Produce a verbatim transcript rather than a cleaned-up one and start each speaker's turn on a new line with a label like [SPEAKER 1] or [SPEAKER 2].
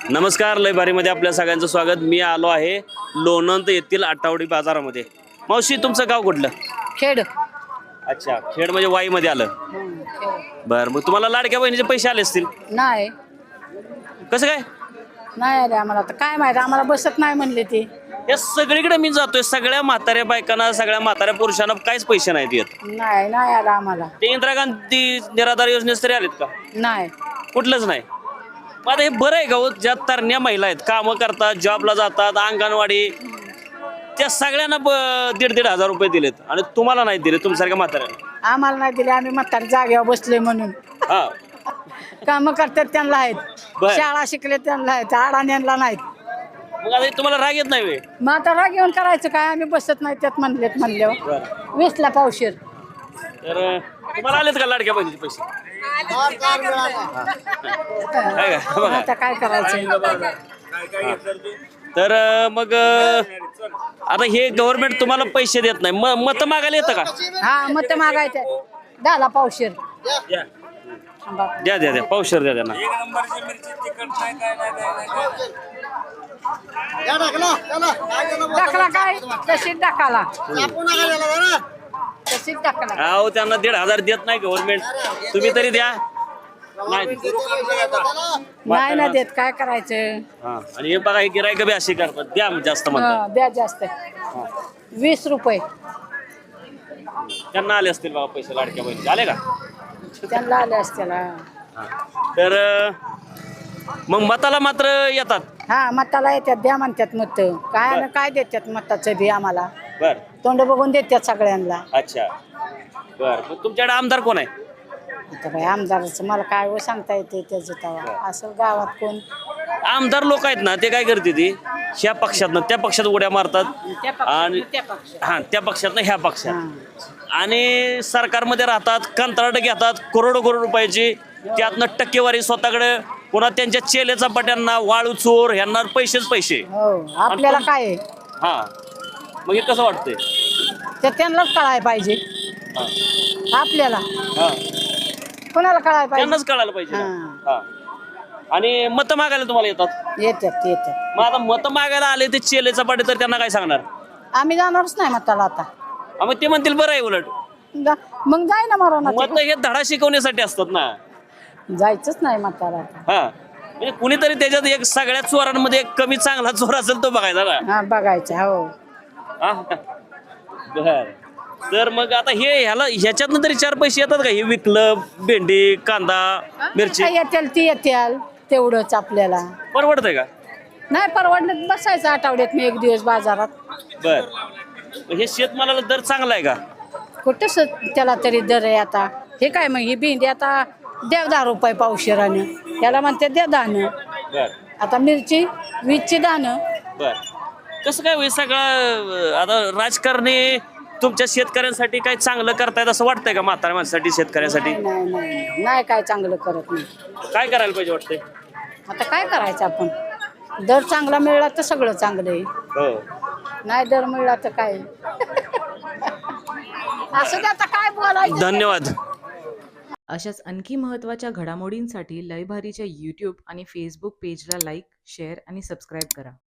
[SPEAKER 1] नमस्कार, लय भारीमध्ये आपल्या सगळ्यांचं स्वागत। मी आलो आहे लोणंद येथील आठवडी बाजारामध्ये। मावशी, तुमचं गाव कुठलं?
[SPEAKER 2] खेड।
[SPEAKER 1] अच्छा, खेड म्हणजे वाई मध्ये आलं। बरं, मग तुम्हाला लाडक्या बहिणीचे पैसे आले असतील?
[SPEAKER 2] नाही
[SPEAKER 1] कसं काय
[SPEAKER 2] नाही आले आम्हाला, तर काय माहिती, आम्हाला बसत नाही म्हणले ते।
[SPEAKER 1] या सगळीकडे मी जातोय, सगळ्या म्हाताऱ्या बायकांना, सगळ्या म्हाताऱ्या पुरुषांना काहीच पैसे नाहीत येत।
[SPEAKER 2] नाही नाही आला आम्हाला।
[SPEAKER 1] ते इंदिरा गांधी निराधार योजनेस तरी आलेत का?
[SPEAKER 2] नाही,
[SPEAKER 1] कुठलंच नाही। मग आता हे बरं आहे का हो, ज्या तरण्या महिला आहेत, कामं करतात, जॉबला जातात, अंगणवाडी, त्या सगळ्यांना दीड दीड हजार रुपये दिलेत आणि तुम्हाला नाही दिले, तुमच्यासारख्या म्हाताऱ्याला?
[SPEAKER 2] आम्हाला नाही दिले, आम्ही म्हातारी जागेवर बसले म्हणून।
[SPEAKER 1] हा,
[SPEAKER 2] काम करतात त्यांना आहेत,
[SPEAKER 1] बर.
[SPEAKER 2] शाळा शिकले त्यांना आहेत, अडाण्यांना नाहीत।
[SPEAKER 1] मग आता हे तुम्हाला राग येत नाही वे?
[SPEAKER 2] मग आता राग येऊन करायचं काय, आम्ही बसत नाही त्यात म्हणलेत म्हणल्यावर। वीसला पावशेर।
[SPEAKER 1] तर तुम्हाला आलेत का लाडक्या बहिणीचे पैसे? काय का बघा.
[SPEAKER 2] आता काय करायचं?
[SPEAKER 1] तर मग आता हे गव्हर्नमेंट तुम्हाला पैसे देत नाही, म मत मागायला येतं का?
[SPEAKER 2] हा, मत मागायचं, दहाला पावशेर
[SPEAKER 1] द्या द्या द्या, पावशेर द्या त्यांना।
[SPEAKER 2] टाकला काय तशीच टाकाला, तशीच टाकला।
[SPEAKER 1] अहो, त्यांना दीड हजार देत नाही गव्हर्नमेंट, तुम्ही तरी द्या। नाही
[SPEAKER 2] नाही ना देत, काय करायचं?
[SPEAKER 1] हा, आणि हे बघा, हे गिरायक बी अशी करतात, द्या जास्त म्हणतात।
[SPEAKER 2] हा, द्या जास्त, वीस रुपये
[SPEAKER 1] त्यांना आले असतील बाबा पैसे लाडक्या बहिणी, आले का?
[SPEAKER 2] त्यांना आले असतील।
[SPEAKER 1] तर मग मताला मात्र येतात?
[SPEAKER 2] हा, मताला येतात, द्या म्हणतात मत, काय ना काय देतात मताचं बी आम्हाला,
[SPEAKER 1] बर,
[SPEAKER 2] तोंड बघून देतात सगळ्यांना।
[SPEAKER 1] अच्छा, बर, मग तुमच्याकडे आमदार कोण आहे?
[SPEAKER 2] आता बाई, आमदाराचं मला काय व सांगता येते त्याचं तवा, असं गावात कोण
[SPEAKER 1] आमदार लोक आहेत ना, ते काय करते, ती ह्या पक्षातनं त्या पक्षात उड्या मारतात आणि हा, त्या पक्षातनं ह्या पक्षात, आणि सरकारमध्ये राहतात, कंत्राट घेतात करोडो करोड रुपयाची, त्यातनं टक्केवारी स्वतःकडे, पुन्हा त्यांच्या चेलेचा पट्यांना, वाळू चोर ह्यांना पैसेच पैसे।
[SPEAKER 2] हो, आपल्याला काय आहे?
[SPEAKER 1] हा, मग हे कसं वाटतंय?
[SPEAKER 2] ते त्यांनाच कळायला पाहिजे, आपल्याला
[SPEAKER 1] हा,
[SPEAKER 2] कोणाला कळायला पाहिजे?
[SPEAKER 1] त्यांनाच कळायला पाहिजे ना। हा, आणि मत मागायला तुम्हाला येतात?
[SPEAKER 2] येतात येतात।
[SPEAKER 1] मग आता मत मागायला आले ते चेले चपाटे, तर त्यांना काय सांगणार?
[SPEAKER 2] आम्ही जाणारच नाही मताला आता।
[SPEAKER 1] हा, मग ते म्हणतील बरं आहे उलट,
[SPEAKER 2] जा- मग जाय ना मारा,
[SPEAKER 1] मत हे धडा शिकवण्यासाठी असतात ना।
[SPEAKER 2] जायचंच नाही मताला आता।
[SPEAKER 1] हा, म्हणजे कुणीतरी त्याच्यात एक सगळ्यात चोरांमध्ये एक कमी चांगला चोर असेल तो बघायचा ना।
[SPEAKER 2] हा, बघायचं। हो,
[SPEAKER 1] हा, बर, तर मग आता हे ह्याला ह्याच्यातनं तरी चार पैसे येतात का? हे विकलं, भेंडी, कांदा, मिरची,
[SPEAKER 2] काय येतील ती येतील, तेवढंच आपल्याला
[SPEAKER 1] परवडतंय का?
[SPEAKER 2] नाही परवडलं, बसायचं आठवड्यात मी एक दिवस बाजारात।
[SPEAKER 1] बर, मग हे शेतमालाला दर चांगला आहे का?
[SPEAKER 2] कुठं स- त्याला तरी दर आहे आता? हे काय मग ही भेंडी आता द्या दहा रुपये पावशेरानं, त्याला म्हणते द्या दाणं।
[SPEAKER 1] बर
[SPEAKER 2] आता मिरची वीसची दाणं।
[SPEAKER 1] बर, कसं काय होईल सगळं? आता राजकारणी तुमच्या शेतकऱ्यांसाठी काय चांगलं करतायत असं वाटतंय का? म्हाताऱ्या माणसासाठी, शेतकऱ्यासाठी
[SPEAKER 2] नाही नाही नाही नाही, काय चांगलं करत नाही।
[SPEAKER 1] काय करायला पाहिजे वाटतंय?
[SPEAKER 2] आता काय करायचं आपण? दर चांगला मिळला तर सगळं चांगलं आहे,
[SPEAKER 1] हो,
[SPEAKER 2] नाही दर मिळला तर काय असं ते, आता काय बोलायचं?
[SPEAKER 1] धन्यवाद।
[SPEAKER 3] अशाच आणखी महत्त्वाच्या घडामोडींसाठी लयभारीच्या यूट्यूब आणि फेसबुक पेजला लाईक, शेअर आणि सबस्क्राईब करा।